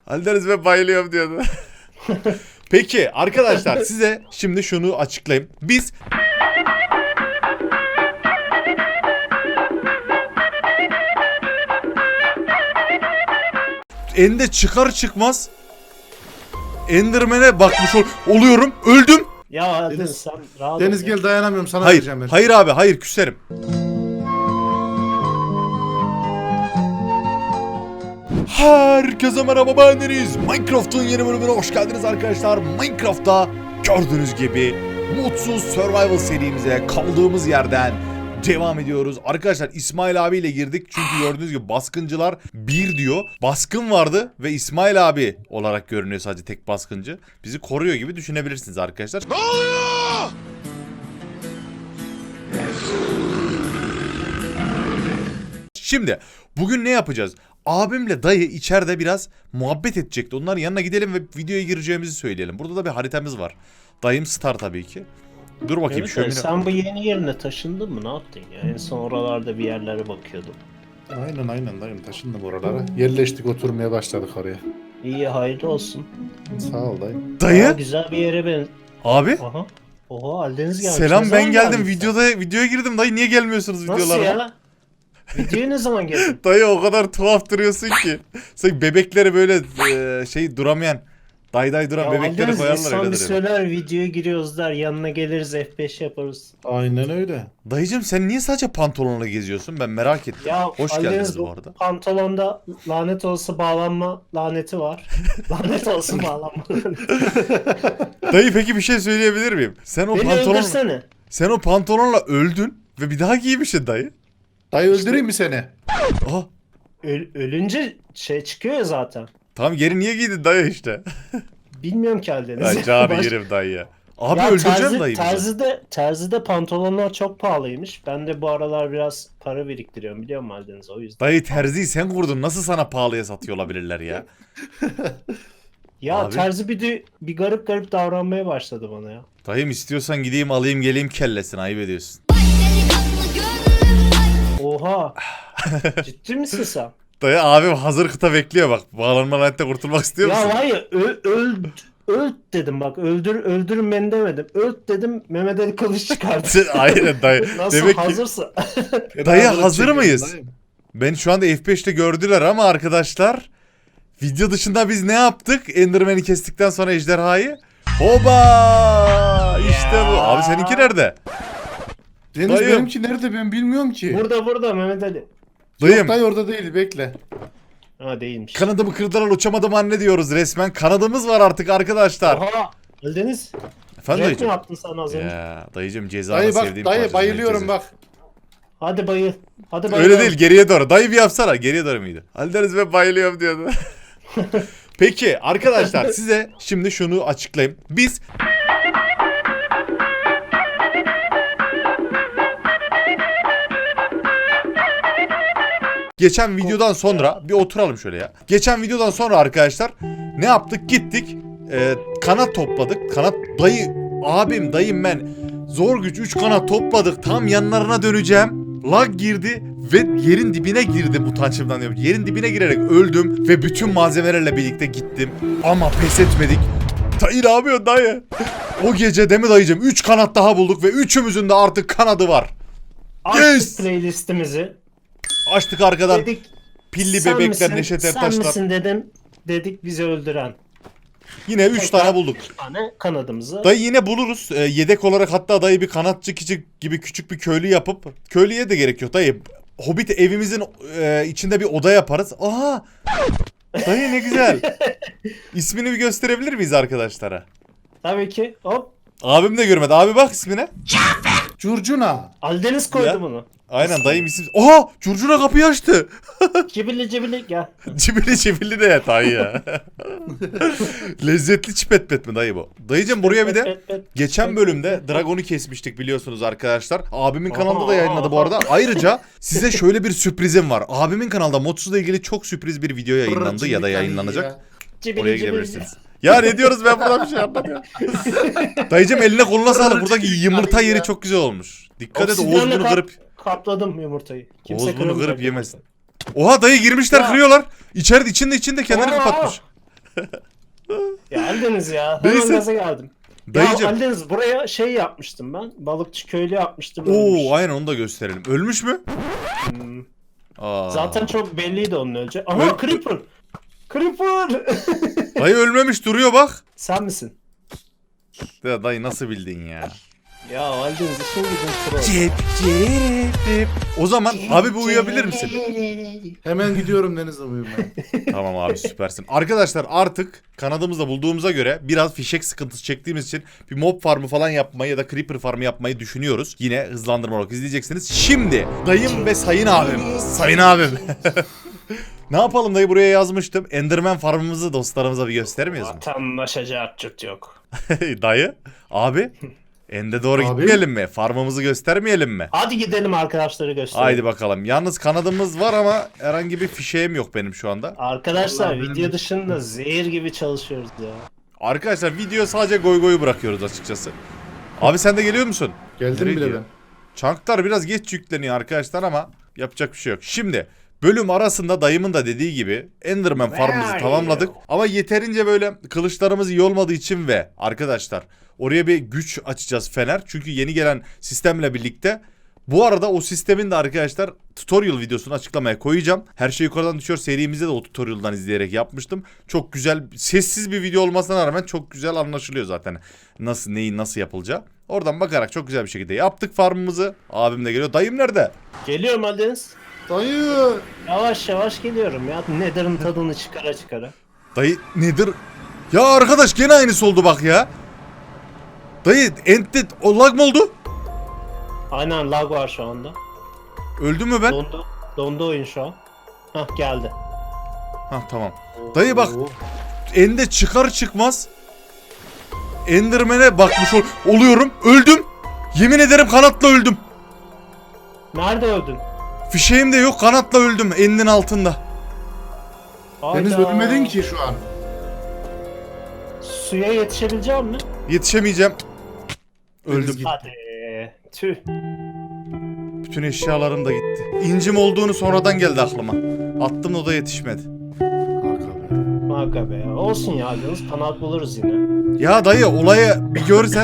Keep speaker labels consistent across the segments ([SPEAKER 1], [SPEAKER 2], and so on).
[SPEAKER 1] Aldeniz ve bayılıyorum diyordu. Peki arkadaşlar size şimdi şunu açıklayayım. Biz Ende çıkar çıkmaz Enderman'e bakmış oluyorum. Öldüm.
[SPEAKER 2] Ya Deniz sen rahat
[SPEAKER 3] Deniz
[SPEAKER 2] ol
[SPEAKER 3] gel dayanamıyorum sana
[SPEAKER 1] Hayır.
[SPEAKER 3] vereceğim ben.
[SPEAKER 1] Hayır abi, hayır, küserim. Herkese merhaba, ben Deniz. Minecraft'ın yeni bölümüne hoş geldiniz arkadaşlar. Minecraft'ta gördüğünüz gibi mutsuz survival serimize kaldığımız yerden devam ediyoruz. Arkadaşlar İsmail abiyle girdik çünkü gördüğünüz gibi baskıncılar 1 diyor. Baskın vardı ve İsmail abi olarak görünüyor, sadece tek baskıncı. Bizi koruyor gibi düşünebilirsiniz arkadaşlar. Ne oluyor? Şimdi bugün ne yapacağız? Abimle dayı içeride biraz muhabbet edecekti. Onların yanına gidelim ve videoya gireceğimizi söyleyelim. Burada da bir haritamız var. Dayım star tabii ki. Dur bakayım
[SPEAKER 2] Evet,
[SPEAKER 1] şöyle.
[SPEAKER 2] sen bu yeni yerine taşındın mı? Ne yaptın ya? En son oralarda bir yerlere bakıyordum.
[SPEAKER 3] Aynen dayım taşındım oralara. Yerleştik, oturmaya başladık oraya.
[SPEAKER 2] İyi, hayırlı olsun.
[SPEAKER 3] Sağ ol dayım.
[SPEAKER 2] Aa,
[SPEAKER 1] Dayı?
[SPEAKER 2] güzel bir yere ben.
[SPEAKER 1] Abi?
[SPEAKER 2] Aha. Oha, Aldeniz gelmiş.
[SPEAKER 1] Selam,
[SPEAKER 2] Ne
[SPEAKER 1] ben
[SPEAKER 2] zaman
[SPEAKER 1] geldim.
[SPEAKER 2] geldin sen?
[SPEAKER 1] Videoya girdim. Dayı niye gelmiyorsunuz videolara?
[SPEAKER 2] Nasıl ya? Videoya ne zaman geldin?
[SPEAKER 1] Dayı o kadar tuhaf duruyorsun ki. Sanki bebekleri böyle duramayan, day duran
[SPEAKER 2] Ya
[SPEAKER 1] bebekleri
[SPEAKER 2] Aldeniz
[SPEAKER 1] koyarlar
[SPEAKER 2] insan
[SPEAKER 1] öyle
[SPEAKER 2] bir
[SPEAKER 1] duruyor.
[SPEAKER 2] söyler, videoya giriyoruz der, yanına geliriz F5 yaparız.
[SPEAKER 3] Aynen öyle.
[SPEAKER 1] Dayıcım sen niye sadece pantolonla geziyorsun? Ben merak ettim.
[SPEAKER 2] Ya
[SPEAKER 1] Hoş
[SPEAKER 2] Aldeniz,
[SPEAKER 1] geldiniz bu arada.
[SPEAKER 2] pantolonda lanet olsa bağlanma laneti var. Lanet olsun bağlanma.
[SPEAKER 1] Dayı peki bir şey söyleyebilir miyim?
[SPEAKER 2] Beni öldürsene.
[SPEAKER 1] Sen o pantolonla öldün ve bir daha giymişsin dayı.
[SPEAKER 3] Dayı öldüreyim mi seni?
[SPEAKER 1] Aha.
[SPEAKER 2] Ölünce şey çıkıyor ya zaten.
[SPEAKER 1] Tamam, geri niye giydin dayı işte?
[SPEAKER 2] Bilmiyorum ki Aldeniz.
[SPEAKER 1] Hacı abi yerim dayı ya. Abi
[SPEAKER 2] Ya
[SPEAKER 1] öldüreceğim dayı bizi.
[SPEAKER 2] terzide pantolonlar çok pahalıymış. Ben de bu aralar biraz para biriktiriyorum, biliyor musun Aldeniz, o yüzden.
[SPEAKER 1] Dayı terziyi sen kurdun. Nasıl sana pahalıya satıyor olabilirler ya?
[SPEAKER 2] Ya
[SPEAKER 1] Abi.
[SPEAKER 2] terzi bir garip davranmaya başladı bana ya.
[SPEAKER 1] Dayım istiyorsan gideyim alayım geleyim kellesini, ayıp ediyorsun.
[SPEAKER 2] Oha. Ciddi misin sen?
[SPEAKER 1] Dayı abim hazır kıta bekliyor bak. Bağlanma lanette kurtulmak istiyor musun?
[SPEAKER 2] Ya hayır, öl dedim bak, öldürün beni demedim. Öl dedim, Mehmet Ali Kılıç çıkardı.
[SPEAKER 1] Aynen dayı.
[SPEAKER 2] Nasıl
[SPEAKER 1] Demek ki
[SPEAKER 2] hazırsa.
[SPEAKER 1] dayı
[SPEAKER 3] Beraber
[SPEAKER 1] hazır
[SPEAKER 3] çekelim
[SPEAKER 1] mıyız?
[SPEAKER 3] dayım.
[SPEAKER 1] Ben şu anda F5'te gördüler ama arkadaşlar, video dışında biz ne yaptık? Enderman'i kestikten sonra ejderhayı. Hoba! İşte bu. Abi seninki nerede?
[SPEAKER 3] Deniz
[SPEAKER 1] Dayım.
[SPEAKER 3] benimki nerede ben bilmiyorum ki.
[SPEAKER 2] Burada Mehmet Ali.
[SPEAKER 1] Dayım.
[SPEAKER 3] Yok dayı orada değil, bekle.
[SPEAKER 2] Ha, değilmiş.
[SPEAKER 1] Kanadımı kırdılar, uçamadım anne diyoruz resmen. Kanadımız var artık arkadaşlar.
[SPEAKER 2] Oha. Aldeniz.
[SPEAKER 1] Efendim
[SPEAKER 2] Rap mi
[SPEAKER 1] dayıcım?
[SPEAKER 2] yaptın sen az önce?
[SPEAKER 1] Ya dayıcım, cezanı
[SPEAKER 3] Dayı bak
[SPEAKER 1] sevdiğim
[SPEAKER 3] dayı
[SPEAKER 1] parçası,
[SPEAKER 3] bayılıyorum
[SPEAKER 1] ceza.
[SPEAKER 3] bak.
[SPEAKER 2] Hadi bayıl. Hadi bayıl.
[SPEAKER 1] Öyle değil, geriye doğru. Dayı bir yapsana. Geriye doğru muydu? Aldeniz ve bayılıyorum diyordu. Peki arkadaşlar size şimdi şunu açıklayayım. Biz geçen videodan sonra bir oturalım şöyle ya. Geçen videodan sonra arkadaşlar ne yaptık? Gittik kanat topladık. Kanat dayı, abim, dayım, ben zor güç 3 kanat topladık. Tam yanlarına döneceğim. Lag girdi ve yerin dibine girdim, utançımdan diyorum. Yerin dibine girerek öldüm ve bütün malzemelerle birlikte gittim. Ama pes etmedik. Dayı ne yapıyorsun dayı? O gece değil mi dayıcım? 3 kanat daha bulduk ve üçümüzün de artık kanadı var.
[SPEAKER 2] Açtık
[SPEAKER 1] Yes!
[SPEAKER 2] playlistimizi.
[SPEAKER 1] Açtık arkadan
[SPEAKER 2] Dedik
[SPEAKER 1] pilli
[SPEAKER 2] sen
[SPEAKER 1] bebekler,
[SPEAKER 2] misin,
[SPEAKER 1] Neşet
[SPEAKER 2] sen
[SPEAKER 1] Ertaşlar.
[SPEAKER 2] misin dedim. Dedik bizi öldüren.
[SPEAKER 1] Yine 3 tane bulduk.
[SPEAKER 2] 3 tane kanadımızı.
[SPEAKER 1] Dayı yine buluruz. Yedek olarak hatta dayı bir kanatçı gibi küçük bir köylü yapıp, köylüye de gerek yok dayı. Hobbit evimizin içinde bir oda yaparız. Aha! Dayı ne güzel. İsmini bir gösterebilir miyiz arkadaşlara?
[SPEAKER 2] Tabii ki. Hop.
[SPEAKER 1] Abim de görmedi. Abi bak ismine.
[SPEAKER 3] Curcuna.
[SPEAKER 2] Aldeniz koydu
[SPEAKER 1] Ya.
[SPEAKER 2] bunu.
[SPEAKER 1] Aynen dayım isim. Oha! Curcuna kapıyı açtı.
[SPEAKER 2] Cibili gel.
[SPEAKER 1] Cibili de ya dayı ya. Lezzetli çipet mi dayı bu? Dayıcım buraya bir de geçen bölümde Dragon'u kesmiştik biliyorsunuz arkadaşlar. Abimin kanalında da yayınladı bu arada. Ayrıca size şöyle bir sürprizim var. Abimin kanalda Modsuz'la ilgili çok sürpriz bir video yayınlandı ya da yayınlanacak. Oraya gidebilirsiniz. Ya ne diyoruz, ben buradan bir şey anlamıyorum. Dayıcım eline koluna sağlık. Buradaki yumurta yeri çok güzel olmuş. Dikkat et, Oğuz bunu kırıp.
[SPEAKER 2] Kapladım yumurtayı. Kimse
[SPEAKER 1] Oğuz bunu
[SPEAKER 2] kıramayacak.
[SPEAKER 1] kırıp yemesin. Oha dayı girmişler,
[SPEAKER 2] Ya.
[SPEAKER 1] kırıyorlar. İçinde kendini
[SPEAKER 2] Aa.
[SPEAKER 1] kapatmış.
[SPEAKER 2] Ya Aldeniz ya. Hemen
[SPEAKER 1] Neyse.
[SPEAKER 2] gaza geldim.
[SPEAKER 1] Dayıcım.
[SPEAKER 2] Ya Aldeniz buraya şey yapmıştım ben. Balıkçı köylü yapmıştım.
[SPEAKER 1] Oo
[SPEAKER 2] ölmüş.
[SPEAKER 1] aynen onu da gösterelim. Ölmüş mü?
[SPEAKER 2] Hmm.
[SPEAKER 1] Aa.
[SPEAKER 2] Zaten çok belliydi onun öleceği. Aha
[SPEAKER 1] Öl-
[SPEAKER 2] Creeper. Creeper.
[SPEAKER 1] Dayı ölmemiş duruyor bak.
[SPEAKER 2] Sen misin?
[SPEAKER 1] Ya dayı nasıl bildin ya?
[SPEAKER 2] Ya Aldeniz işin gücün troll.
[SPEAKER 1] Cep cep. O zaman abi bir uyuyabilir misin?
[SPEAKER 3] Hemen gidiyorum Deniz'le uyumaya.
[SPEAKER 1] Tamam abi süpersin. Arkadaşlar artık kanadımızda bulduğumuza göre biraz fişek sıkıntısı çektiğimiz için bir mob farmı falan yapmayı ya da creeper farmı yapmayı düşünüyoruz. Yine hızlandırma olarak izleyeceksiniz. Şimdi dayım ve sayın abim. Sayın abim. Ne yapalım dayı, buraya yazmıştım. Enderman farmımızı dostlarımıza bir göstermiyoruz mu?
[SPEAKER 2] Vatandaşacak çıt yok.
[SPEAKER 1] Dayı abi ende doğru
[SPEAKER 3] Abi.
[SPEAKER 1] gitmeyelim mi? Farmımızı göstermeyelim mi?
[SPEAKER 2] Hadi gidelim arkadaşları gösterelim.
[SPEAKER 1] Haydi bakalım. Yalnız kanadımız var ama herhangi bir fişeğim yok benim şu anda.
[SPEAKER 2] Arkadaşlar
[SPEAKER 3] Vallahi
[SPEAKER 2] video
[SPEAKER 3] benim-
[SPEAKER 2] dışında zehir gibi çalışıyoruz ya.
[SPEAKER 1] Arkadaşlar video sadece goy goyu bırakıyoruz açıkçası. Abi sen de geliyor musun?
[SPEAKER 3] Geldim
[SPEAKER 1] Nereye
[SPEAKER 3] bile
[SPEAKER 1] gidiyor?
[SPEAKER 3] ben.
[SPEAKER 1] Chunklar biraz geç yükleniyor arkadaşlar ama yapacak bir şey yok. Şimdi bölüm arasında dayımın da dediği gibi Enderman farmımızı tamamladık. Ama yeterince böyle kılıçlarımız iyi olmadığı için ve arkadaşlar oraya bir güç açacağız fener. Çünkü yeni gelen sistemle birlikte. Bu arada o sistemin de arkadaşlar tutorial videosunu açıklamaya koyacağım. Her şey yukarıdan düşüyor serimizde de o tutorial'dan izleyerek yapmıştım. Çok güzel, sessiz bir video olmasına rağmen çok güzel anlaşılıyor zaten. Nasıl, neyin nasıl yapılacağı. Oradan bakarak çok güzel bir şekilde yaptık farmımızı. Abim de geliyor. Dayım nerede?
[SPEAKER 2] Geliyorum Aldeniz.
[SPEAKER 3] Dayı.
[SPEAKER 2] Yavaş yavaş geliyorum ya. Nether'ın tadını çıkara çıkara.
[SPEAKER 1] Dayı nedir? Ya arkadaş gene aynısı oldu bak ya. Dayı ente o lag mı oldu?
[SPEAKER 2] Aynen lag var şu anda.
[SPEAKER 1] Öldü mü ben?
[SPEAKER 2] Dondu. Dondu oyun şu an. Hah geldi.
[SPEAKER 1] Hah tamam. Dayı bak
[SPEAKER 2] Oo.
[SPEAKER 1] ende çıkar çıkmaz Enderman'e bakmış oluyorum. Öldüm. Yemin ederim kanatla öldüm.
[SPEAKER 2] Nerede öldün?
[SPEAKER 1] Fişeğim de yok, kanatla öldüm endin altında.
[SPEAKER 3] Deniz
[SPEAKER 2] Hayda.
[SPEAKER 3] ölmedin ki şu an.
[SPEAKER 2] Suya yetişebileceğim mi?
[SPEAKER 1] Yetişemeyeceğim.
[SPEAKER 3] Deniz
[SPEAKER 1] Öldüm.
[SPEAKER 3] gitti.
[SPEAKER 2] Hadi. Tüh.
[SPEAKER 1] Bütün eşyalarım da gitti. İncim olduğunu sonradan geldi aklıma. Attım o da yetişmedi.
[SPEAKER 3] Kanka be.
[SPEAKER 2] Aga be. Olsun ya Aldeniz. Kanat buluruz yine.
[SPEAKER 1] Ya dayı olayı bir görsen.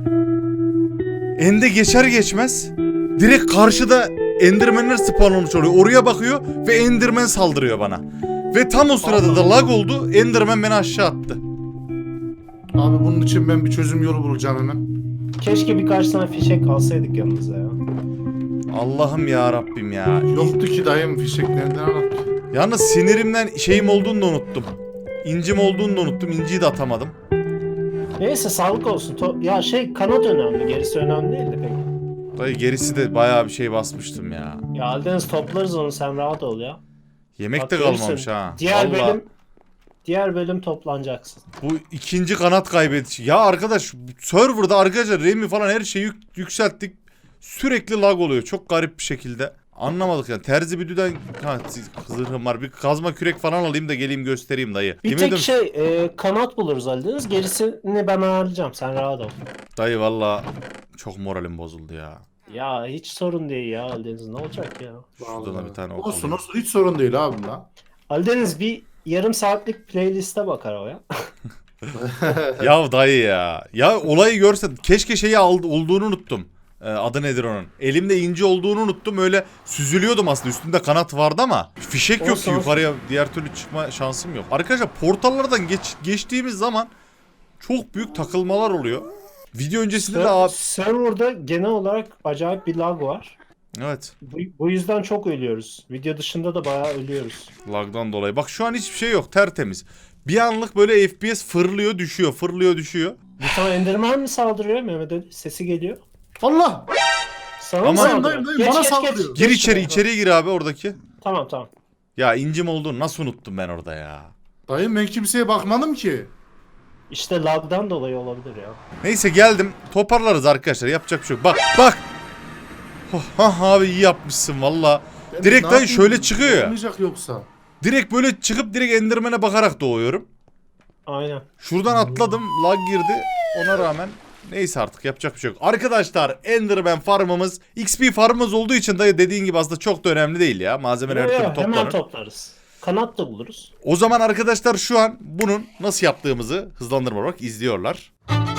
[SPEAKER 1] Ende geçer geçmez direkt karşıda Enderman'ler spawn olmuş oluyor. Oraya bakıyor ve Enderman saldırıyor bana. Ve tam o sırada da lag oldu. Enderman beni aşağı attı.
[SPEAKER 3] Abi bunun için ben bir çözüm yolu bulacağım hemen.
[SPEAKER 2] Keşke birkaç tane fişek alsaydık yanımıza ya.
[SPEAKER 1] Allah'ım ya Rabbim ya.
[SPEAKER 3] Yoktu ki dayım, fişek nereden anlattı?
[SPEAKER 1] Yalnız sinirimden şeyim olduğunu da unuttum. İncim olduğunu da unuttum. İnciyi de atamadım.
[SPEAKER 2] Neyse sağlık olsun. Ya şey kanat önemli. Gerisi önemli değil de pek.
[SPEAKER 1] Dayı gerisi de bayağı bir şey basmıştım ya.
[SPEAKER 2] Ya Aldeniz toplarız onu, sen rahat ol ya.
[SPEAKER 1] Yemek
[SPEAKER 2] Bak
[SPEAKER 1] de
[SPEAKER 2] görürsün.
[SPEAKER 1] kalmamış ha.
[SPEAKER 2] Diğer bölüm toplanacaksın.
[SPEAKER 1] Bu ikinci kanat kaybedici. Ya arkadaş serverda arkadaşlar RAM'i falan her şeyi yükselttik. Sürekli lag oluyor. Çok garip bir şekilde. Anlamadık yani. Terzi büdüden zırhım var. Bir kazma kürek falan alayım da geleyim göstereyim dayı.
[SPEAKER 2] Bir
[SPEAKER 1] Yemin
[SPEAKER 2] tek
[SPEAKER 1] ederim-
[SPEAKER 2] kanat buluruz Aldeniz. Gerisini ben ayarlayacağım. Sen rahat ol.
[SPEAKER 1] Dayı valla çok moralim bozuldu ya.
[SPEAKER 2] Ya hiç sorun değil ya Aldeniz. Ne olacak ya?
[SPEAKER 1] Şuradan da bir tane ok
[SPEAKER 3] Olsun
[SPEAKER 1] alayım.
[SPEAKER 3] olsun, hiç sorun değil abi la.
[SPEAKER 2] Aldeniz bir yarım saatlik playliste bakar o ya.
[SPEAKER 1] Ya dayı ya. Ya olayı görsen keşke şeyi olduğunu unuttum. Adı nedir onun? Elimde inci olduğunu unuttum. Öyle süzülüyordum aslında. Üstünde kanat vardı ama fişek yok
[SPEAKER 2] Olsun,
[SPEAKER 1] ki
[SPEAKER 2] olsun.
[SPEAKER 1] yukarıya diğer türlü çıkma şansım yok. Arkadaşlar portallardan geçtiğimiz zaman çok büyük takılmalar oluyor. Video öncesinde de abi...
[SPEAKER 2] Server'da genel olarak acayip bir lag var.
[SPEAKER 1] Evet.
[SPEAKER 2] Bu yüzden çok ölüyoruz. Video dışında da bayağı ölüyoruz.
[SPEAKER 1] Lagdan dolayı. Bak şu an hiçbir şey yok. Tertemiz. Bir anlık böyle FPS fırlıyor düşüyor. Fırlıyor düşüyor.
[SPEAKER 2] Bir tane Enderman mi saldırıyor Mehmet Ali? Sesi geliyor.
[SPEAKER 3] Allah!
[SPEAKER 2] Sana mı
[SPEAKER 1] Ama-
[SPEAKER 2] saldırıyor?
[SPEAKER 3] Dayım, bana saldırıyor.
[SPEAKER 1] Gir
[SPEAKER 2] Geç
[SPEAKER 1] içeri,
[SPEAKER 2] şuraya.
[SPEAKER 1] içeriye gir abi oradaki.
[SPEAKER 2] Tamam tamam.
[SPEAKER 1] Ya incim olduğunu nasıl unuttum ben orada ya.
[SPEAKER 3] Dayım ben kimseye bakmadım ki.
[SPEAKER 2] İşte lagdan dolayı olabilir ya.
[SPEAKER 1] Neyse geldim. Toparlarız arkadaşlar. Yapacak bir şey yok. Bak bak. Oh, abi iyi yapmışsın valla.
[SPEAKER 3] Ben
[SPEAKER 1] Direkt
[SPEAKER 3] ne
[SPEAKER 1] dayı
[SPEAKER 3] yapayım?
[SPEAKER 1] şöyle çıkıyor ya.
[SPEAKER 3] Olmayacak yoksa.
[SPEAKER 1] Direkt böyle çıkıp direkt Enderman'e bakarak doğuyorum.
[SPEAKER 2] Aynen.
[SPEAKER 1] Şuradan atladım. Lag girdi. Ona rağmen neyse artık yapacak bir şey yok. Arkadaşlar Enderman farmımız XP farmımız olduğu için dayı dediğin gibi aslında çok da önemli değil ya. Malzemeler her türlü
[SPEAKER 2] Hemen
[SPEAKER 1] toplanır.
[SPEAKER 2] toplarız. kanat da buluruz.
[SPEAKER 1] O zaman arkadaşlar şu an bunun nasıl yaptığımızı hızlandırma olarak izliyorlar.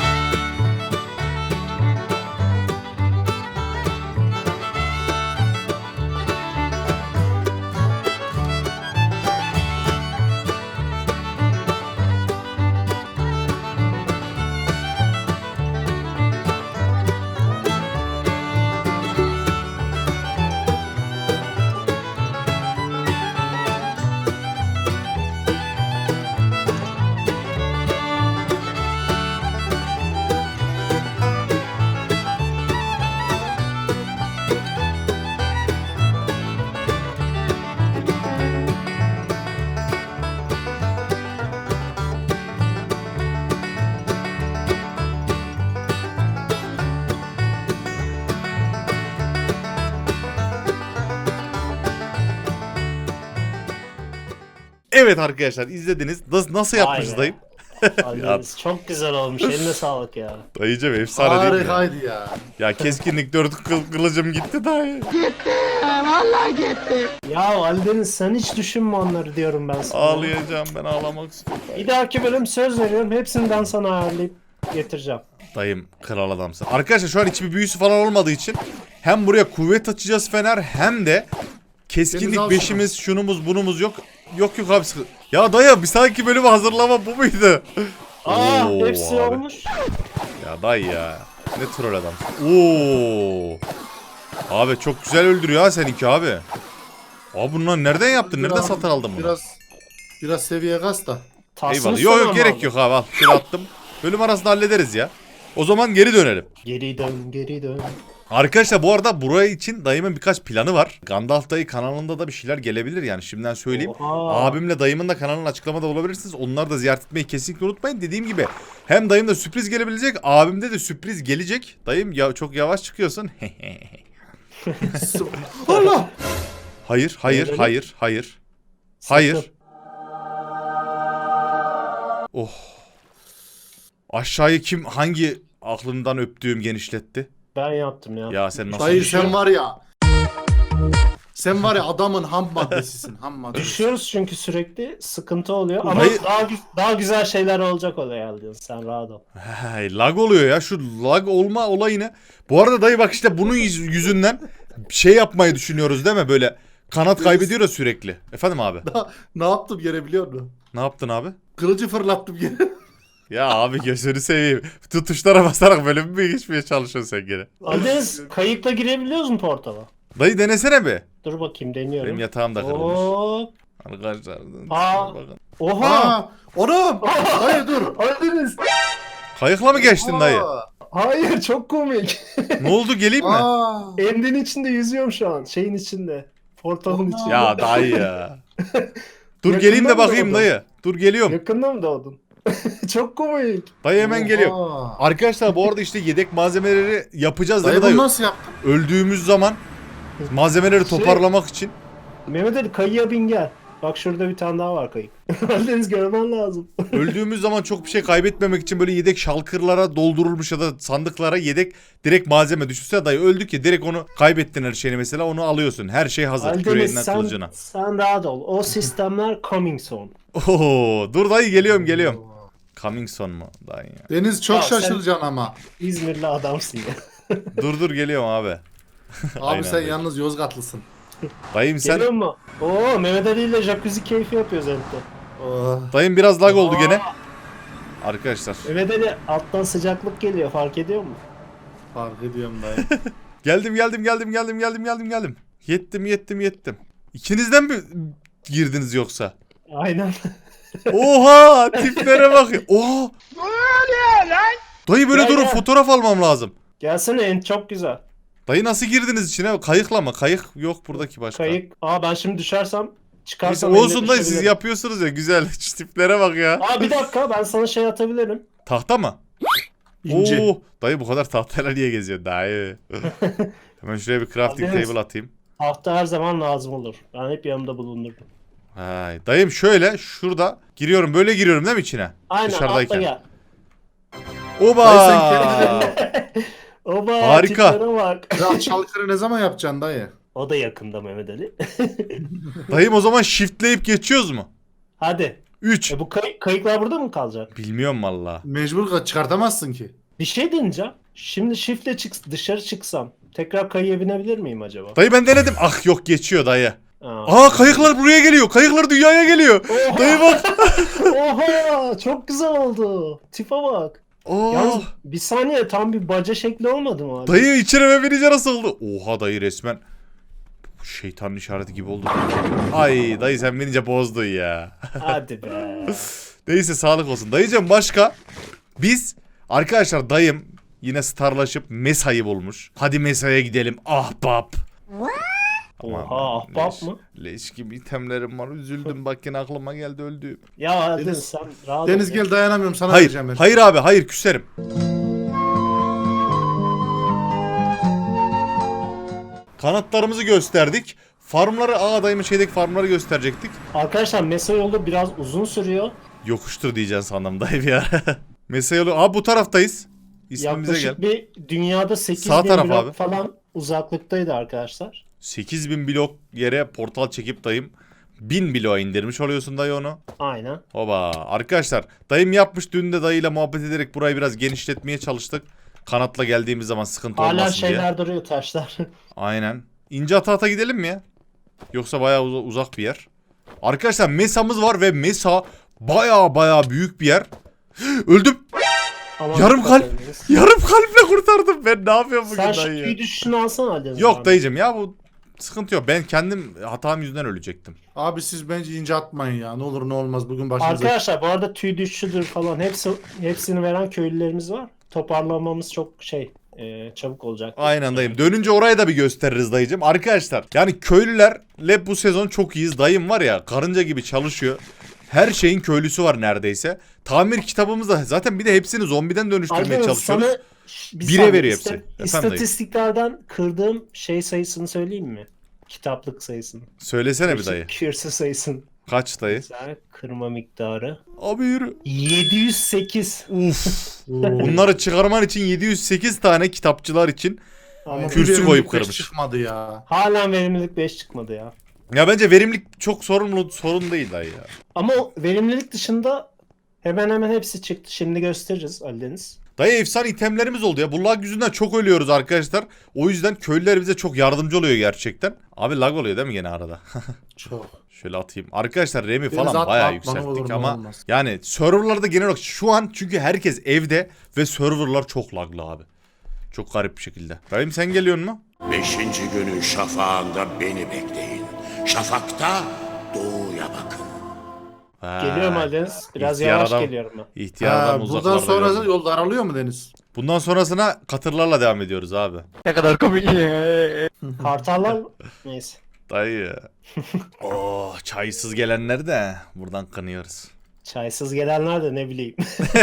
[SPEAKER 1] Evet arkadaşlar izlediniz. Nasıl
[SPEAKER 2] Vay
[SPEAKER 1] yapmışız
[SPEAKER 2] be.
[SPEAKER 1] dayım?
[SPEAKER 2] Aldeniz çok güzel olmuş. Eline sağlık ya.
[SPEAKER 1] Dayıcım efsane değil mi? ya?
[SPEAKER 3] Harikaydı ya.
[SPEAKER 1] Ya keskinlik 4 kılıcım gitti dayı.
[SPEAKER 2] Ya Aldeniz sen hiç düşünme onları diyorum ben sana.
[SPEAKER 1] Ağlayacağım ben ağlamak istiyorum.
[SPEAKER 2] Bir dahaki bölüm söz veriyorum. Hepsini ben sana ayarlayıp getireceğim.
[SPEAKER 1] Dayım kral adamsın. Arkadaşlar şu an hiçbir büyüsü falan olmadığı için hem buraya kuvvet açacağız Fener hem de keskinlik
[SPEAKER 3] Deniz al
[SPEAKER 1] 5'imiz şunumuz bunumuz yok. Yok abi sıkı. Ya dayı bir sonraki bölümü hazırlama bu muydu?
[SPEAKER 2] Aa
[SPEAKER 1] Oo,
[SPEAKER 2] hepsi
[SPEAKER 1] abi.
[SPEAKER 2] olmuş.
[SPEAKER 1] Ya dayı ya. Ne troll adamsın. Oo. Abi çok güzel öldürüyor ha seninki abi. Abi bunları nereden yaptın? Nereden satın aldın bunu?
[SPEAKER 3] Biraz seviye kas da.
[SPEAKER 2] Tahsını
[SPEAKER 1] Eyvallah. Yok
[SPEAKER 2] sonra
[SPEAKER 1] yok
[SPEAKER 2] mı
[SPEAKER 1] gerek
[SPEAKER 2] aldın?
[SPEAKER 1] yok abi al. Şöyle attım. Bölüm arasında hallederiz ya. O zaman geri dönelim.
[SPEAKER 2] Geri dön geri dön.
[SPEAKER 1] Arkadaşlar bu arada buraya için dayımın birkaç planı var. Gandalf dayı kanalında da bir şeyler gelebilir yani şimdiden söyleyeyim.
[SPEAKER 2] Oha.
[SPEAKER 1] Abimle dayımın da kanalının açıklamada bulabilirsiniz. Onları da ziyaret etmeyi kesinlikle unutmayın. Dediğim gibi hem dayımda sürpriz gelebilecek, abimde de sürpriz gelecek. Dayım ya çok yavaş çıkıyorsun.
[SPEAKER 3] Allah!
[SPEAKER 1] Hayır, hayır,
[SPEAKER 2] Öyle mi?
[SPEAKER 1] hayır, hayır. Hayır.
[SPEAKER 2] Sakın.
[SPEAKER 1] Oh. Aşağıyı kim hangi aklımdan öptüğüm genişletti?
[SPEAKER 2] Ben yaptım ya.
[SPEAKER 1] Ya sen nasıl
[SPEAKER 3] Dayı
[SPEAKER 1] düşüyorsun?
[SPEAKER 3] sen var ya. Sen var ya adamın ham maddesisin. Ham maddesi.
[SPEAKER 2] Düşüyoruz çünkü sürekli sıkıntı oluyor ama
[SPEAKER 1] Hayır.
[SPEAKER 2] daha güzel şeyler olacak oluyor Aldeniz. Sen rahat ol.
[SPEAKER 1] Hey, lag oluyor ya şu lag olma olayını. Bu arada dayı bak işte bunun yüzünden şey yapmayı düşünüyoruz değil mi böyle kanat kaybediyor ya sürekli. Efendim abi
[SPEAKER 3] Ne yaptım yere biliyor musun?
[SPEAKER 1] ne yaptın abi?
[SPEAKER 3] Kılıcı fırlattım yere.
[SPEAKER 1] Ya abi gözünü seveyim. Tutuşlara basarak bölüm mü geçmeye çalışıyorsun sen gene?
[SPEAKER 2] Aldeniz kayıkla girebiliyoruz mu portala?
[SPEAKER 1] Dayı denesene bir.
[SPEAKER 2] Dur bakayım deniyorum.
[SPEAKER 1] Benim yatağım da kırılmış.
[SPEAKER 2] Hop.
[SPEAKER 1] Arkadaşlar.
[SPEAKER 2] Aa.
[SPEAKER 1] bakın.
[SPEAKER 2] Oha.
[SPEAKER 3] Aa, oğlum. Dayı dur.
[SPEAKER 2] Aldeniz.
[SPEAKER 1] Kayıkla mı geçtin dayı?
[SPEAKER 2] Hayır çok komik.
[SPEAKER 1] Ne oldu geleyim mi?
[SPEAKER 3] Aa.
[SPEAKER 2] Endin içinde yüzüyorum şu an. Şeyin içinde. Portalın
[SPEAKER 3] Aa.
[SPEAKER 2] içinde.
[SPEAKER 1] Ya dayı ya. Dur
[SPEAKER 2] Yakından
[SPEAKER 1] geleyim de
[SPEAKER 2] mı
[SPEAKER 1] bakayım
[SPEAKER 2] oldu?
[SPEAKER 1] dayı. Dur geliyorum.
[SPEAKER 2] Yakında mı doğdun? Çok komik.
[SPEAKER 1] Dayı hemen geliyorum.
[SPEAKER 3] Oha.
[SPEAKER 1] Arkadaşlar bu arada işte yedek malzemeleri yapacağız değil
[SPEAKER 3] Dayı
[SPEAKER 1] mi dayı?
[SPEAKER 3] bunu nasıl yaptın?
[SPEAKER 1] Öldüğümüz zaman malzemeleri toparlamak için.
[SPEAKER 2] Mehmet Ali kayıya bin gel. Bak şurada bir tane daha var kayık. Aldeniz görmen lazım.
[SPEAKER 1] Öldüğümüz zaman çok bir şey kaybetmemek için böyle yedek şalkırlara doldurulmuş ya da sandıklara yedek direkt malzeme. Düşünsene dayı öldük ya direkt onu kaybettin her şeyini mesela onu alıyorsun. Her şey hazır
[SPEAKER 2] Aldeniz
[SPEAKER 1] küreğinden kılıcına.
[SPEAKER 2] sen rahat ol. O sistemler coming soon.
[SPEAKER 1] Oo, dur dayı geliyorum. Coming son mu dayı ya?
[SPEAKER 3] Deniz çok
[SPEAKER 2] Ya sen-
[SPEAKER 3] şaşıracaksın ama.
[SPEAKER 2] İzmirli adamsın ya.
[SPEAKER 1] Dur geliyorum abi.
[SPEAKER 3] Abi
[SPEAKER 1] Aynen
[SPEAKER 3] sen
[SPEAKER 1] dayı.
[SPEAKER 3] yalnız Yozgatlısın.
[SPEAKER 1] Dayım sen
[SPEAKER 2] Geliyor mu? Oo Mehmet Ali ile jacuzzi keyfi yapıyoruz evde.
[SPEAKER 3] Oh.
[SPEAKER 1] dayım biraz lag oldu gene. Arkadaşlar
[SPEAKER 2] Mehmet Ali alttan sıcaklık geliyor fark ediyor musun?
[SPEAKER 3] Fark ediyorum dayı.
[SPEAKER 1] geldim. Yettim. İkinizden mi girdiniz yoksa?
[SPEAKER 2] Aynen.
[SPEAKER 1] Oha tiplere bak. Oha. Dayı böyle
[SPEAKER 2] Gel,
[SPEAKER 1] durun
[SPEAKER 2] gel.
[SPEAKER 1] fotoğraf almam lazım.
[SPEAKER 2] Gelsene en çok güzel.
[SPEAKER 1] Dayı nasıl girdiniz içine? Kayıkla mı? Kayık yok buradaki başka.
[SPEAKER 2] Kayık. Aa ben şimdi düşersem
[SPEAKER 1] Neyse,
[SPEAKER 2] çıkarsam
[SPEAKER 1] olsun
[SPEAKER 2] eline
[SPEAKER 1] dayı siz
[SPEAKER 2] düşebilirim.
[SPEAKER 1] yapıyorsunuz ya güzel. Şu tiplere bak ya.
[SPEAKER 2] Aa bir dakika ben sana şey atabilirim.
[SPEAKER 1] Tahta mı?
[SPEAKER 3] İnce.
[SPEAKER 1] Oo, dayı bu kadar tahtayla niye geziyorsun dayı? Hemen şuraya bir crafting
[SPEAKER 2] Aldeniz.
[SPEAKER 1] table atayım.
[SPEAKER 2] Tahta her zaman lazım olur. Ben hep yanımda bulundurdum.
[SPEAKER 1] Hay, dayım şöyle şurada giriyorum böyle giriyorum değil mi içine?
[SPEAKER 2] Aynen
[SPEAKER 1] Dışarıdayken.
[SPEAKER 2] atla gel.
[SPEAKER 1] Oba!
[SPEAKER 3] Dayı sen
[SPEAKER 2] Oba
[SPEAKER 1] Harika.
[SPEAKER 2] tiplere bak.
[SPEAKER 3] Kral çalkırı ne zaman yapacaksın dayı?
[SPEAKER 2] O da yakında Mehmet Ali.
[SPEAKER 1] Dayım o zaman shiftleyip geçiyoruz mu?
[SPEAKER 2] Hadi.
[SPEAKER 1] 3.
[SPEAKER 2] Bu kayıklar burada mı kalacak?
[SPEAKER 1] Bilmiyorum valla.
[SPEAKER 3] Mecbur çıkartamazsın ki.
[SPEAKER 2] Bir şey deneyeceğim. Şimdi shiftle dışarı çıksam tekrar kayıya binebilir miyim acaba?
[SPEAKER 1] Dayı ben denedim. Ah yok geçiyor dayı.
[SPEAKER 2] Aa.
[SPEAKER 1] Aa kayıklar buraya geliyor. Kayıklar dünyaya geliyor.
[SPEAKER 2] Oha!
[SPEAKER 1] Dayı bak.
[SPEAKER 2] Oha! Çok güzel oldu. Tipe bak. Yalnız
[SPEAKER 1] Aa,
[SPEAKER 2] bir saniye tam bir baca şekli olmadı mı abi?
[SPEAKER 1] dayı içine binince nasıl oldu? Oha dayı resmen. Şeytanın işareti gibi oldu. Ay dayı sen binince bozdun ya.
[SPEAKER 2] Hadi be.
[SPEAKER 1] Neyse sağlık olsun. Dayıcım başka? Biz arkadaşlar dayım yine starlaşıp Mesa'yı bulmuş. Hadi Mesa'ya gidelim ahbap.
[SPEAKER 2] Oha ahbap mı?
[SPEAKER 1] Leş gibi itemlerim var. Üzüldüm bak yine aklıma geldi öldüğüm.
[SPEAKER 2] Ya hadi
[SPEAKER 3] Deniz-
[SPEAKER 2] sen rahat
[SPEAKER 3] Deniz
[SPEAKER 2] ol.
[SPEAKER 3] gel dayanamıyorum sana
[SPEAKER 1] Hayır,
[SPEAKER 3] vereceğim ben.
[SPEAKER 1] hayır abi, hayır küserim. Kanatlarımızı gösterdik. Farmları, dayımın şeydeki farmları gösterecektik.
[SPEAKER 2] Arkadaşlar mesa yolu biraz uzun sürüyor.
[SPEAKER 1] Yokuştur diyeceksin sandım dayı bir ara. Mesela yolu, bu taraftayız. İsmimize gel.
[SPEAKER 2] Yaklaşık bir dünyada 8
[SPEAKER 1] Sağ
[SPEAKER 2] bin
[SPEAKER 1] taraf
[SPEAKER 2] blok
[SPEAKER 1] abi.
[SPEAKER 2] falan uzaklıktaydı arkadaşlar.
[SPEAKER 1] 8000 blok yere portal çekip dayım 1000 bloğa indirmiş oluyorsun dayı onu.
[SPEAKER 2] Aynen.
[SPEAKER 1] Hoba. Arkadaşlar dayım yapmış, dün de dayıyla muhabbet ederek burayı biraz genişletmeye çalıştık. Kanatla geldiğimiz zaman sıkıntı
[SPEAKER 2] Hala
[SPEAKER 1] olmasın diye.
[SPEAKER 2] şeyler duruyor taşlar.
[SPEAKER 1] Aynen. İnce ata gidelim mi ya? Yoksa bayağı uzak bir yer. Arkadaşlar Mesa'mız var ve Mesa bayağı büyük bir yer. Öldüm.
[SPEAKER 2] Aman
[SPEAKER 1] Yarım
[SPEAKER 2] dikkat
[SPEAKER 1] kalp.
[SPEAKER 2] ediniz.
[SPEAKER 1] Yarım kalple kurtardım. Ben ne yapıyorum bugün
[SPEAKER 2] Sen şu
[SPEAKER 1] dayı ya?
[SPEAKER 2] tüy düşüşünü alsana hadi.
[SPEAKER 1] Yok dayıcım ya, bu sıkıntı yok. Ben kendim hatam yüzünden ölecektim.
[SPEAKER 3] Abi siz bence ince atmayın ya. Ne olur ne olmaz bugün başınıza.
[SPEAKER 2] Arkadaşlar bu arada tüy düşüşüdür falan hepsini veren köylülerimiz var. Toparlamamız çok çabuk olacak.
[SPEAKER 1] Aynen dayım. Dönünce orayı da bir gösteririz dayıcım. Arkadaşlar yani köylülerle bu sezon çok iyiyiz. Dayım var ya, karınca gibi çalışıyor. Her şeyin köylüsü var neredeyse. Tamir kitabımızda zaten, bir de hepsini zombiden dönüştürmeye
[SPEAKER 2] Arkadaşlar
[SPEAKER 1] çalışıyoruz.
[SPEAKER 2] sana bir
[SPEAKER 1] Bire
[SPEAKER 2] saniye,
[SPEAKER 1] veriyor hepsi. Efendim dayı.
[SPEAKER 2] İstatistiklerden kırdığım şey sayısını söyleyeyim mi? Kitaplık sayısını.
[SPEAKER 1] Söylesene bir dayı.
[SPEAKER 2] Kürsü sayısını.
[SPEAKER 1] Kaç dayı?
[SPEAKER 2] Güzel. Kırma miktarı.
[SPEAKER 1] Abi yürü.
[SPEAKER 2] 708.
[SPEAKER 1] Uf. Bunları çıkarman için 708 tane kitapçılar için.
[SPEAKER 2] Ama
[SPEAKER 1] Kürsü
[SPEAKER 3] Bir
[SPEAKER 1] koyup
[SPEAKER 3] beş
[SPEAKER 1] kırmış.
[SPEAKER 3] çıkmadı ya.
[SPEAKER 2] halen verimlilik 5 çıkmadı ya.
[SPEAKER 1] Ya bence verimlilik çok sorun değil dayı ya.
[SPEAKER 2] Ama o verimlilik dışında hemen hepsi çıktı. Şimdi gösteririz Ali Deniz.
[SPEAKER 1] Dayı efsane itemlerimiz oldu ya. Bu lag yüzünden çok ölüyoruz arkadaşlar. O yüzden köylüler bize çok yardımcı oluyor gerçekten. Abi lag oluyor değil mi gene arada?
[SPEAKER 3] Çok.
[SPEAKER 1] Şöyle atayım. Arkadaşlar Remi
[SPEAKER 3] Deniz
[SPEAKER 1] falan
[SPEAKER 3] atma,
[SPEAKER 1] bayağı
[SPEAKER 3] atma, ne
[SPEAKER 1] yükselttik
[SPEAKER 3] olur ne
[SPEAKER 1] ama
[SPEAKER 3] olmaz.
[SPEAKER 1] yani serverlarda genel olarak şu an, çünkü herkes evde ve serverlar çok laglı abi. Çok garip bir şekilde. Rahim sen geliyorsun mu?
[SPEAKER 4] 5. günün şafağında beni bekleyin. Şafakta doğuya bakın.
[SPEAKER 2] Geliyorum Ali Deniz. Biraz
[SPEAKER 1] İhtiyar
[SPEAKER 2] yavaş
[SPEAKER 1] adam.
[SPEAKER 2] geliyorum ben.
[SPEAKER 1] İhtiyar adam
[SPEAKER 3] Buradan
[SPEAKER 1] uzaklarda
[SPEAKER 3] sonra
[SPEAKER 1] gördüm.
[SPEAKER 3] yol daralıyor mu Deniz?
[SPEAKER 1] Bundan sonrasına katırlarla devam ediyoruz abi.
[SPEAKER 2] Kartallar neyse.
[SPEAKER 1] Dayı. Oh, çaysız gelenler de buradan kınıyoruz.
[SPEAKER 2] Çaysız gelenler de ne bileyim.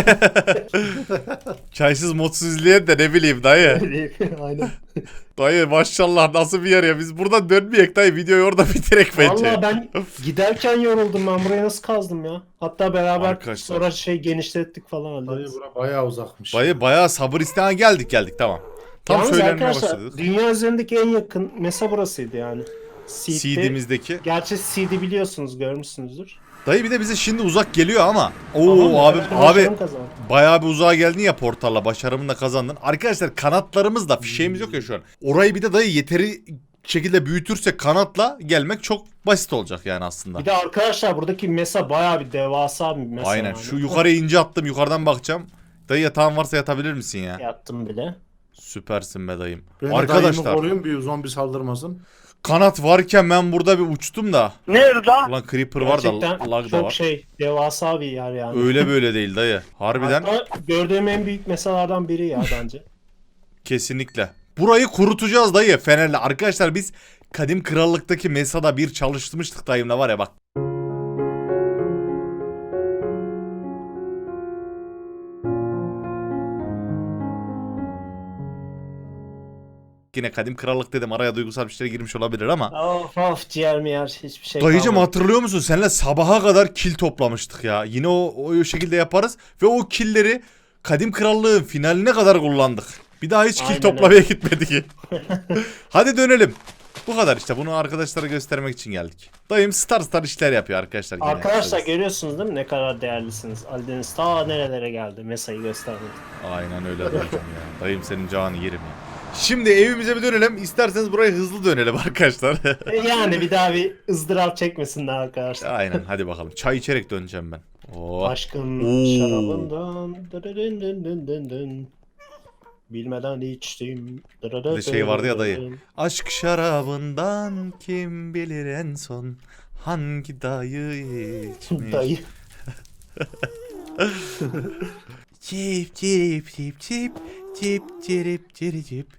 [SPEAKER 1] Çaysız modsuz izleyen de ne bileyim dayı.
[SPEAKER 2] Aynen.
[SPEAKER 1] Dayı maşallah nasıl bir yer ya. Biz buradan dönmeyek dayı. Videoyu orada bitirek bence.
[SPEAKER 2] Vallahi ben giderken yoruldum, ben buraya nasıl kazdım ya. Hatta beraber
[SPEAKER 1] Arkadaşlar.
[SPEAKER 2] sonra genişlettik falan Ali
[SPEAKER 3] Dayı
[SPEAKER 2] Deniz.
[SPEAKER 3] bura bayağı uzakmış.
[SPEAKER 1] Dayı bayağı sabır isteyen geldik tamam. Tam
[SPEAKER 2] Yalnız
[SPEAKER 1] söylenmeye
[SPEAKER 2] arkadaşlar
[SPEAKER 1] başladık.
[SPEAKER 2] dünya üzerindeki en yakın mesa burasıydı yani. Seed'de.
[SPEAKER 1] CD'mizdeki.
[SPEAKER 2] Gerçi CD biliyorsunuz, görmüşsünüzdür.
[SPEAKER 1] Dayı bir de bize şimdi uzak geliyor ama.
[SPEAKER 2] Tamam,
[SPEAKER 1] Oo abi
[SPEAKER 2] ben
[SPEAKER 1] abi
[SPEAKER 2] başarım kazandım.
[SPEAKER 1] bayağı bir uzağa geldin ya portalla, başarımını da kazandın. Arkadaşlar kanatlarımız da fişeğimiz yok ya şu an. Orayı bir de dayı yeteri şekilde büyütürsek kanatla gelmek çok basit olacak yani aslında.
[SPEAKER 2] Bir de arkadaşlar buradaki mesa bayağı bir devasa bir mesa.
[SPEAKER 1] Aynen.
[SPEAKER 2] yani.
[SPEAKER 1] Şu yukarıya ince attım. Yukarıdan bakacağım. Dayı yatağın varsa yatabilir misin ya?
[SPEAKER 2] Yattım bile.
[SPEAKER 1] Süpersin be dayım.
[SPEAKER 3] Ben de dayımı
[SPEAKER 1] Arkadaşlar
[SPEAKER 3] koruyayım bir zombi saldırmasın.
[SPEAKER 1] kanat varken ben burada bir uçtum da.
[SPEAKER 4] Nerede?
[SPEAKER 1] Ulan creeper var da
[SPEAKER 2] Gerçekten
[SPEAKER 1] lag da
[SPEAKER 2] çok
[SPEAKER 1] var.
[SPEAKER 2] devasa bir yer yani.
[SPEAKER 1] Öyle böyle değil dayı. Harbiden
[SPEAKER 2] Hatta gördüğüm en büyük mesalardan biri ya bence.
[SPEAKER 1] kesinlikle. Burayı kurutacağız dayı fenerle. Arkadaşlar biz Kadim Krallık'taki Mesa'da bir çalıştırmıştık dayımla var ya bak. Yine Kadim Krallık dedim, araya duygusal bir şey girmiş olabilir ama.
[SPEAKER 2] Of ciğer mi yer hiçbir şey
[SPEAKER 1] Dayıcım
[SPEAKER 2] kalmadı.
[SPEAKER 1] hatırlıyor musun? Seninle sabaha kadar kil toplamıştık ya. Yine o şekilde yaparız. Ve o killeri Kadim Krallığın finaline kadar kullandık. Bir daha hiç kil
[SPEAKER 2] Aynen
[SPEAKER 1] toplamaya gitmedik. Hadi dönelim. Bu kadar işte, bunu arkadaşlara göstermek için geldik. Dayım star işler yapıyor arkadaşlar. Yine.
[SPEAKER 2] Arkadaşlar görüyorsunuz değil mi ne kadar değerlisiniz? Aldeniz ta nerelere geldi mesayı göstermedi.
[SPEAKER 1] Aynen öyle dayıcım ya. Dayım senin canını yerim ya. Şimdi evimize bir dönelim. İsterseniz buraya hızlı dönelim arkadaşlar.
[SPEAKER 2] Yani bir daha bir ızdırap çekmesinler arkadaşlar.
[SPEAKER 1] Aynen hadi bakalım. Çay içerek döneceğim ben. Oh.
[SPEAKER 2] Aşkın
[SPEAKER 1] Oo.
[SPEAKER 2] şarabından dın dın dın dın dın. Bilmeden içtim.
[SPEAKER 1] Bir de şey vardı ya dayı. Aşk şarabından kim bilir en son hangi dayı içmiş.
[SPEAKER 2] Dayı.
[SPEAKER 1] Çip çip çip çip çip çirip çiri çip.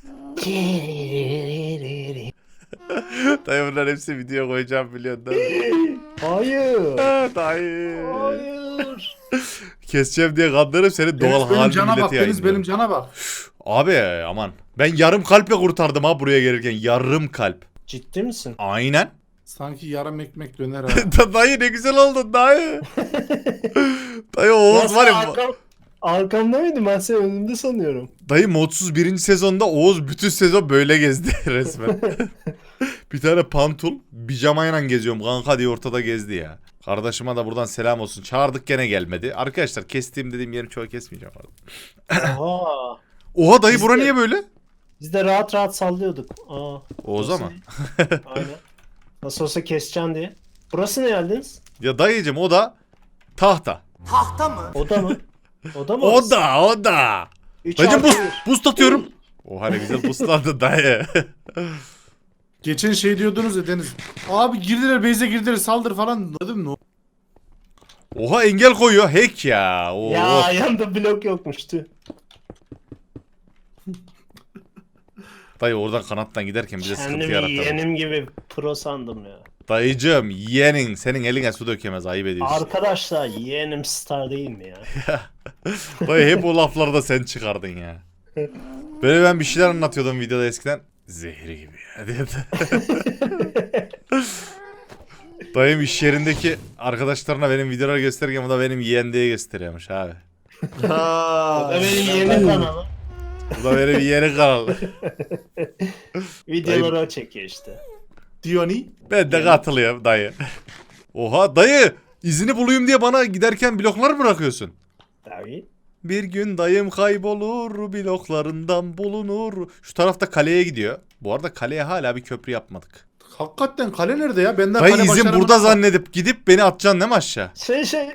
[SPEAKER 1] Dayı bunların hepsi video koyacağım biliyorsun değil mi?
[SPEAKER 2] Hayır.
[SPEAKER 1] Dayı.
[SPEAKER 2] Hayır.
[SPEAKER 1] Keseceğim diye kandırıp seni doğal
[SPEAKER 3] Deniz benim
[SPEAKER 1] halini
[SPEAKER 3] cana bak.
[SPEAKER 1] millete
[SPEAKER 3] Deniz
[SPEAKER 1] yayınlıyorum.
[SPEAKER 3] benim cana bak.
[SPEAKER 1] Abi aman. Ben yarım kalple kurtardım ha buraya gelirken. Yarım kalp.
[SPEAKER 2] Ciddi misin?
[SPEAKER 1] Aynen.
[SPEAKER 3] Sanki yarım ekmek döner ha.
[SPEAKER 1] Dayı ne güzel oldun dayı. Dayı Oğuz var ya.
[SPEAKER 2] Arkamda mıydım ben seni önümde sanıyorum.
[SPEAKER 1] Dayı modsuz 1. sezonda Oğuz bütün sezon böyle gezdi resmen. Bir tane pantul pijamayla geziyorum kanka diye ortada gezdi ya. Kardeşime de buradan selam olsun. Çağırdık gene gelmedi. Arkadaşlar kestiğim dediğim yeri çoğu kesmeyeceğim.
[SPEAKER 2] Oha.
[SPEAKER 1] Oha dayı
[SPEAKER 2] Biz
[SPEAKER 1] bura
[SPEAKER 2] de-
[SPEAKER 1] niye böyle?
[SPEAKER 2] Biz de rahat rahat sallıyorduk.
[SPEAKER 1] Oğuz'a
[SPEAKER 2] nasıl-
[SPEAKER 1] mı?
[SPEAKER 2] Aynen. Nasıl olsa keseceksin diye. Burası ne geldiniz?
[SPEAKER 1] Ya dayıcım o da tahta.
[SPEAKER 2] O da mı? O da mı?
[SPEAKER 1] O da.
[SPEAKER 2] Üç
[SPEAKER 1] Dayıcım
[SPEAKER 2] artı
[SPEAKER 1] buz atıyorum. Oha ne güzel buzlandı dayı.
[SPEAKER 3] Geçen şey diyordunuz ya Deniz. Abi girdiler base'e girdiler saldır falan dedim ne?
[SPEAKER 1] Oha engel koyuyor. Hack ya.
[SPEAKER 2] bir.
[SPEAKER 1] Oo.
[SPEAKER 2] Ya yanında blok yokmuştu.
[SPEAKER 1] Dayı oradan kanattan giderken bize sıkıntı
[SPEAKER 2] Kendimi
[SPEAKER 1] yarattı.
[SPEAKER 2] yeğenim gibi pro sandım ya.
[SPEAKER 1] Dayıcım yeğenin senin eline su dökemez ayıp ediyorsun.
[SPEAKER 2] Arkadaşlar yeğenim star değil mi ya?
[SPEAKER 1] Dayı hep o lafları da sen çıkardın ya. Böyle ben bir şeyler anlatıyordum videoda eskiden. Zehri gibi ya diye. Dayım iş yerindeki arkadaşlarına benim videoları gösterirken bu da benim yeğen diye gösteriyormuş abi.
[SPEAKER 2] O da benim yeğenim kanalı.
[SPEAKER 1] Bu da benim yeğeni kanalı.
[SPEAKER 2] Videoları o çekiyor işte.
[SPEAKER 3] Dioni.
[SPEAKER 1] Ben de katılıyorum dayı. Oha dayı izini bulayım diye bana giderken bloklar mı bırakıyorsun?
[SPEAKER 2] Tabii.
[SPEAKER 1] Bir gün dayım kaybolur, bloklarından bulunur. Şu tarafta kaleye gidiyor. Bu arada kaleye hala bir köprü yapmadık.
[SPEAKER 3] Hakikaten kale nerede ya? Benden
[SPEAKER 1] Dayı
[SPEAKER 3] kale
[SPEAKER 1] izin
[SPEAKER 3] başaramadım.
[SPEAKER 1] burada zannedip gidip beni atacaksın değil mi aşağı?
[SPEAKER 2] Şey.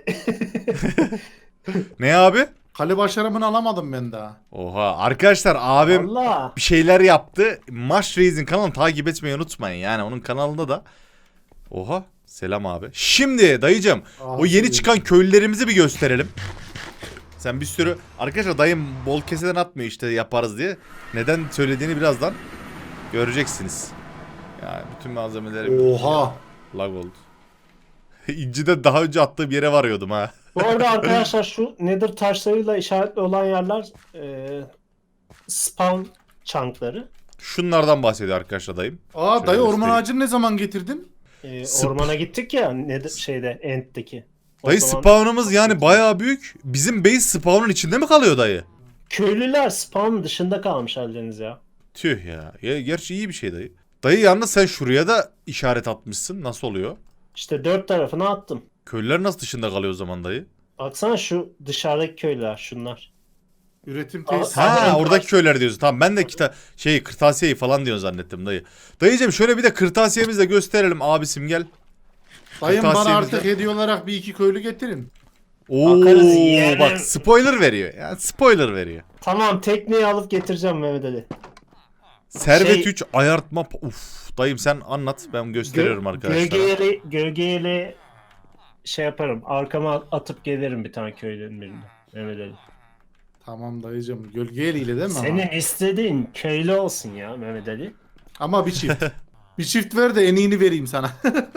[SPEAKER 1] Ne abi?
[SPEAKER 3] Kale başarımını alamadım ben daha.
[SPEAKER 1] Oha arkadaşlar abim
[SPEAKER 2] Allah.
[SPEAKER 1] bir şeyler yaptı. Mash Reis'in kanalını takip etmeyi unutmayın. Yani onun kanalında da. Oha selam abi. Şimdi dayıcım o yeni çıkan köylülerimizi bir gösterelim. Sen bir sürü arkadaşlar dayım bol keseden atmıyor işte yaparız diye. Neden söylediğini birazdan göreceksiniz. Yani bütün malzemeleri
[SPEAKER 3] Oha.
[SPEAKER 1] lag oldu. İnci'de daha önce attığım yere varıyordum ha.
[SPEAKER 2] Bu arada arkadaşlar şu nether taşlarıyla işaretli olan yerler spawn chunkları.
[SPEAKER 1] Şunlardan bahsediyor arkadaşlar dayım.
[SPEAKER 3] Aa
[SPEAKER 1] Şöyle
[SPEAKER 3] dayı orman
[SPEAKER 1] göstereyim.
[SPEAKER 3] ağacını ne zaman getirdin?
[SPEAKER 2] Ormana gittik ya nether şeyde End'deki. O
[SPEAKER 1] Dayı
[SPEAKER 2] zaman
[SPEAKER 1] spawn'ımız yani bayağı büyük. Bizim base spawn'un içinde mi kalıyor dayı?
[SPEAKER 2] köylüler spawn dışında kalmış Aldeniz ya.
[SPEAKER 1] Tüh ya. Gerçi iyi bir şey dayı. Dayı yalnız sen şuraya da işaret atmışsın. Nasıl oluyor?
[SPEAKER 2] İşte dört tarafına attım.
[SPEAKER 1] Köylüler nasıl dışında kalıyor o zaman dayı?
[SPEAKER 2] Baksana şu dışarıdaki köylüler şunlar.
[SPEAKER 3] Üretim
[SPEAKER 2] Aa,
[SPEAKER 3] tesisi.
[SPEAKER 1] Ha
[SPEAKER 2] Aynen.
[SPEAKER 1] oradaki köyler diyorsun. Tamam ben de kırtasiyeyi falan diyorsun zannettim dayı. Dayıcım şöyle bir de kırtasiyemizi de gösterelim abisim gel.
[SPEAKER 3] Dayım bana
[SPEAKER 1] kırtasiyemizde-
[SPEAKER 3] artık hediye olarak bir iki köylü getirin.
[SPEAKER 1] Oo
[SPEAKER 2] Bakarız yeğenim.
[SPEAKER 1] bak spoiler veriyor. Yani spoiler veriyor.
[SPEAKER 2] Tamam tekneyi alıp getireceğim Mehmet Ali.
[SPEAKER 1] Servet
[SPEAKER 2] Şey-
[SPEAKER 1] 3 ayartma. Uf dayım sen anlat ben gösteriyorum arkadaşlar.
[SPEAKER 2] Gölgeyle şey yaparım. Arkama atıp gelirim bir tane köylünün birine. Mehmet Ali.
[SPEAKER 3] Tamam dayıcım. Gölge eliyle değil mi ama?
[SPEAKER 2] Senin istediğin köylü olsun ya Mehmet Ali.
[SPEAKER 3] Ama bir çift. Bir çift ver de en iyini vereyim sana.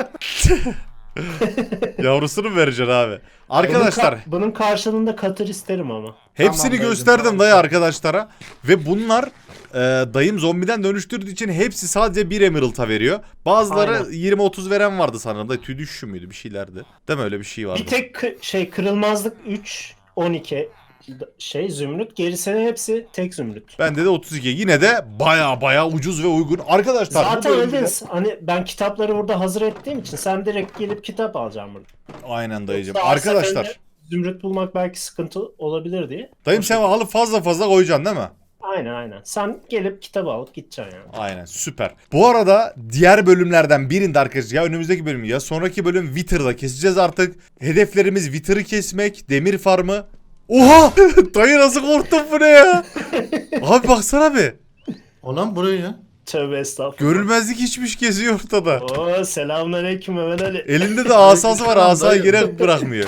[SPEAKER 1] Yavrusunu mu vereceksin abi? Arkadaşlar
[SPEAKER 2] Bunun karşılığında katır isterim ama.
[SPEAKER 1] hepsini
[SPEAKER 3] Tamam dayıcım,
[SPEAKER 1] gösterdim
[SPEAKER 3] tamam.
[SPEAKER 1] dayı arkadaşlara. Ve bunlar dayım zombiden dönüştürdüğü için hepsi sadece 1 emerald'a veriyor. Bazıları
[SPEAKER 2] Aynen.
[SPEAKER 1] 20-30 veren vardı sanırım da tüy düşüşü müydü bir şeylerdi. Değil mi öyle bir şey vardı.
[SPEAKER 2] Bir tek kırılmazlık 3, 12 Zümrüt, gerisinin hepsi tek zümrüt.
[SPEAKER 1] Bende de 32. Yine de baya ucuz ve uygun. Arkadaşlar bu
[SPEAKER 2] Zaten
[SPEAKER 1] bölümde-
[SPEAKER 2] öyle. Hani ben kitapları burada hazır ettiğim için sen direkt gelip kitap alacaksın burada.
[SPEAKER 1] Aynen dayıcım.
[SPEAKER 2] Yoksa her
[SPEAKER 1] Arkadaşlar.
[SPEAKER 2] seferinde Zümrüt bulmak belki sıkıntı olabilir diye.
[SPEAKER 1] Dayım sen alıp fazla koyacaksın değil mi?
[SPEAKER 2] Aynen. Sen gelip kitabı alıp gideceksin yani.
[SPEAKER 1] Aynen süper. Bu arada diğer bölümlerden birinde arkadaşlar ya önümüzdeki bölüm ya sonraki bölüm Wither'da keseceğiz artık. Hedeflerimiz Wither'ı kesmek, demir farmı. Oha! Dayı nasıl korktun bu ne ya? Abi baksana bir.
[SPEAKER 3] Olan buraya ya.
[SPEAKER 2] Tövbe estağfurullah.
[SPEAKER 1] Görülmezlik hiçmiş geziyor ortada.
[SPEAKER 2] Oo, selamünaleyküm Mehmet Ali.
[SPEAKER 1] Elinde de asası var, asayı
[SPEAKER 3] Dayı.
[SPEAKER 1] geri bırakmıyor.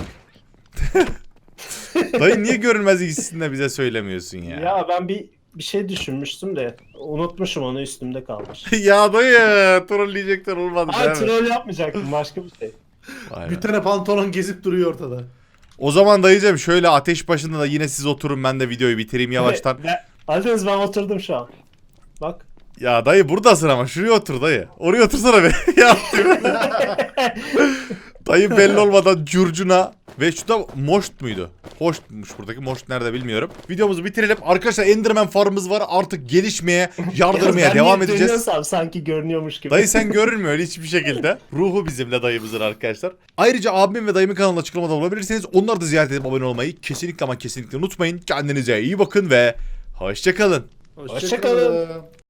[SPEAKER 1] Dayı niye görülmezlik hissini de bize söylemiyorsun ya?
[SPEAKER 2] Ya ben bir şey düşünmüştüm de unutmuşum, onu üstümde kalmış.
[SPEAKER 1] Ya dayı trolleyecekler olmadı
[SPEAKER 2] Ay,
[SPEAKER 1] değil mi?
[SPEAKER 2] troll yapmayacaktım, başka bir şey.
[SPEAKER 1] Aynen.
[SPEAKER 3] Bir tane pantolon gezip duruyor ortada.
[SPEAKER 1] O zaman dayıcım şöyle ateş başında da yine siz oturun, ben de videoyu bitireyim yavaştan.
[SPEAKER 2] Aldınız, ben oturdum şu an. Bak.
[SPEAKER 1] Ya dayı buradasın ama şuraya otur dayı. Oraya otursana be. Ya dayı belli olmadan curcuna ve şu da moşt muydu? Hoştmuş buradaki. Moşt nerede bilmiyorum. Videomuzu bitirelim. Arkadaşlar Enderman farmımız var. Artık gelişmeye, yardırmaya
[SPEAKER 2] Ben
[SPEAKER 1] devam
[SPEAKER 2] niye
[SPEAKER 1] edeceğiz.
[SPEAKER 2] dönüyorsam sanki görünüyormuş gibi.
[SPEAKER 1] Dayı sen görünmüyor hiçbir şekilde. Ruhu bizimle dayımızın arkadaşlar. Ayrıca abimin ve dayımın kanalına açıklamada olabilirsiniz. Onları da ziyaret edip abone olmayı kesinlikle ama kesinlikle unutmayın. Kendinize iyi bakın ve hoşça kalın.
[SPEAKER 2] Hoşça kalın.